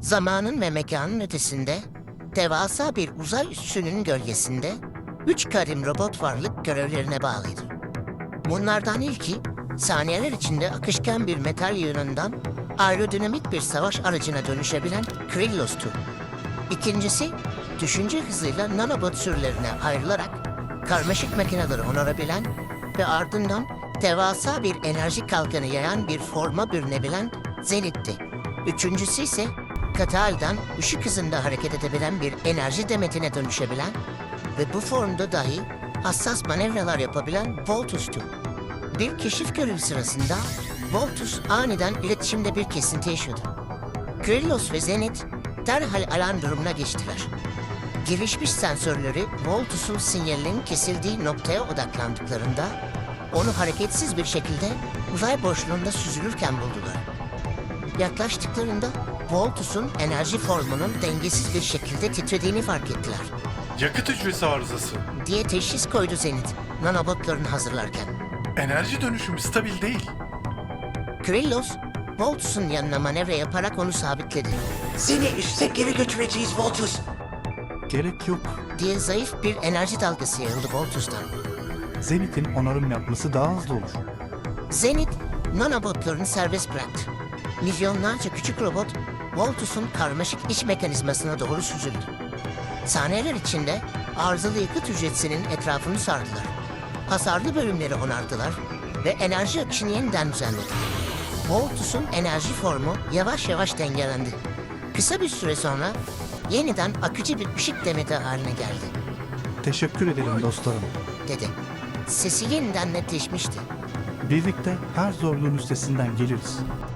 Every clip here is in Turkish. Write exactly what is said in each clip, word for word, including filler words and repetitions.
Zamanın ve mekanın ötesinde, devasa bir uzay üssünün gölgesinde üç karim robot varlık görevlerine bağlıydı. Bunlardan ilki, saniyeler içinde akışkan bir metal yığınından aerodinamik bir savaş aracına dönüşebilen Krillos'tu. İkincisi, düşünce hızıyla nanobot sürülerine ayrılarak karmaşık makineleri onarabilen ve ardından devasa bir enerji kalkanı yayan bir forma bürünebilen Zenith'ti. Üçüncüsü ise katı halden ışık hızında hareket edebilen bir enerji demetine dönüşebilen ve bu formda dahi hassas manevralar yapabilen Voltus'tu. Bir keşif görevi sırasında Voltus aniden iletişimde bir kesinti yaşadı. Krillos ve Zenith derhal alarm durumuna geçtiler. Gelişmiş sensörleri Voltus'un sinyalinin kesildiği noktaya odaklandıklarında onu hareketsiz bir şekilde uzay boşluğunda süzülürken buldular. Yaklaştıklarında Voltus'un enerji formunun dengesiz bir şekilde titrediğini fark ettiler. Yakıt hücresi arızası. Diye teşhis koydu Zenith, nanobotlarını hazırlarken. Enerji dönüşümü stabil değil. Krillos, Voltus'un yanına manevra yaparak onu sabitledi. Seni üste geri götüreceğiz Voltus. Gerek yok. Diye zayıf bir enerji dalgası yayıldı Voltus'tan. Zenith'in onarım yapması daha hızlı olur. Zenith, nanobotlarını serbest bıraktı. Milyonlarca küçük robot, Voltus'un karmaşık iç mekanizmasına doğru süzüldü. Saniyeler içinde arızalı yakıt hücresinin etrafını sardılar. Hasarlı bölümleri onardılar ve enerji akışını yeniden düzenledi. Voltus'un enerji formu yavaş yavaş dengelendi. Kısa bir süre sonra yeniden akıcı bir ışık demeti haline geldi, Teşekkür ederim dostlarım. dedi. Sesi yeniden netleşmişti. Birlikte her zorluğun üstesinden geliriz.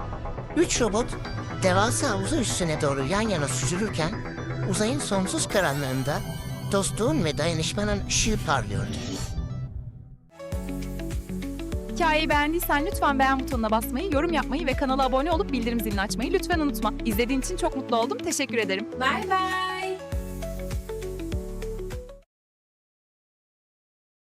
Üç robot devasa uzay üssüne doğru yan yana süzülürken uzayın sonsuz karanlığında dostluğun ve dayanışmanın ışığı parlıyordu. Hikayeyi beğendiysen lütfen beğen butonuna basmayı, yorum yapmayı ve kanala abone olup bildirim zilini açmayı lütfen unutma. İzlediğin için çok mutlu oldum. Teşekkür ederim. Bay bay.